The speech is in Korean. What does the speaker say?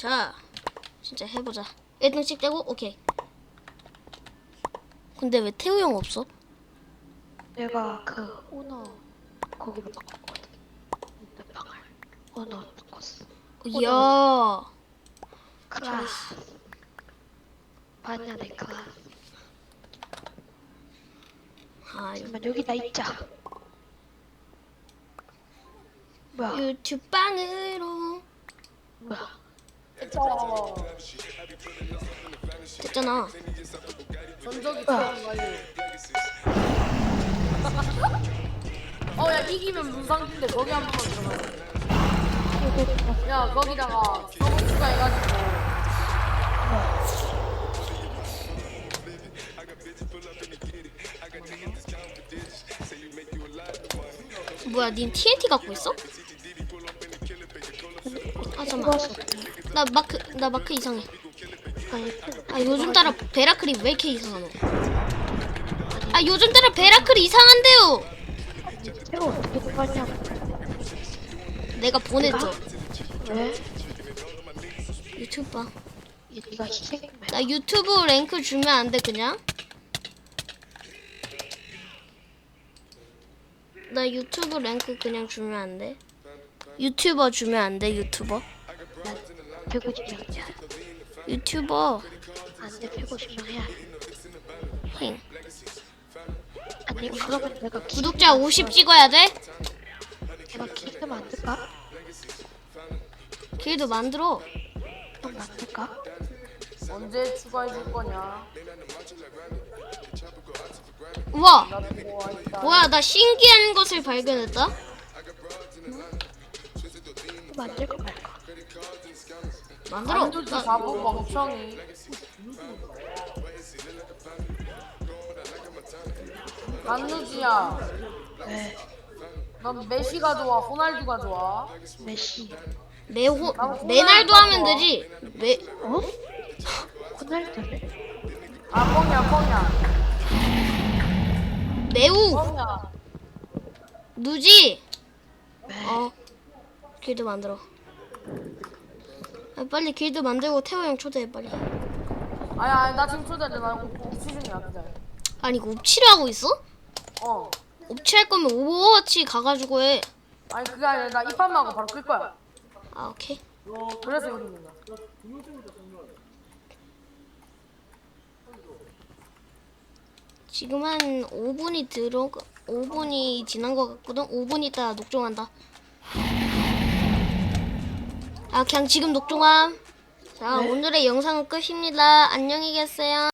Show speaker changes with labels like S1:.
S1: 자, 진짜 해보자. 1등씩 떼고 오케이. 근데 왜 태우 형 없어?
S2: 내가 그 오너 거기로 바꿨거든. 내 방을 오너 바꿨어.
S1: 이야.
S2: 클라스. 반년의 클라스.
S1: 아,
S2: 잠깐만 여기다 있자. 뭐야?
S1: 유튜브 방으로
S2: 뭐야?
S1: 됐잖아.
S3: 전적이 처음 관리. 야 이기면 문상인데 거기 한 번만 들어가. 야 거기다가 성우 추가해가지고.
S1: 뭐야, 닌 TNT 갖고 있어? 아 잠깐만. 나 마크 이상해. 아 요즘 따라 베라클이 왜 이렇게 이상하노? 아 요즘 따라 베라클이 이상한데요.
S2: 새로 어떻게 들어갔냐고.
S1: 내가 보냈죠.
S2: 왜?
S1: 유튜브 봐.
S2: 네가 희생이면
S1: 나 유튜브 랭크 주면 안 돼 그냥? 나 유튜브 랭크 그냥 주면 안 돼? 유튜버 주면 안 돼? 유튜버?
S2: 난 150명이야.
S1: 유튜버.
S2: 안돼 150명 해야 해.
S1: 힝.
S2: 아니 그러면 내가
S1: 구독자 50 찍어야 돼?
S2: 내가 길드 만들까?
S1: 길도 만들어.
S2: 형 만들까?
S3: 언제 추가해줄 거냐?
S1: 우와.
S3: 나 그거 하니까.
S1: 뭐야, 나 신기한 것을 발견했다.
S2: 또 만들까 말까?
S1: 만들어.
S3: 안주지 바보 멍청이. 안누지야.
S2: 왜?
S1: 넌
S3: 메시가 좋아? 호날두가 좋아?
S2: 메시.
S1: 메날도 하면 되지.
S2: 어? 호날두를?
S3: 아 뻥이야.
S1: 매우
S3: 뻥이야.
S1: 누지.
S2: 왜?
S1: 길드 만들어. 아, 빨리 길드 만들고 태호 형 초대해 빨리.
S3: 아야 나 지금 초대하지 말고 옵치 중이야 그냥.
S1: 아니 이거 옵치를 하고 있어? 옵치 할 거면 오버워치 가가지고 해.
S3: 아니 그게 아니라 나 입판하고 바로 끌 거야.
S1: 아 오케이.
S3: 그래서 여기 있는 거야.
S1: 지금 한 5분이 지난 것 같거든. 5분 있다 녹종한다. 아 그냥 지금 녹종함. 자 오늘의 영상은 끝입니다. 안녕히 계세요.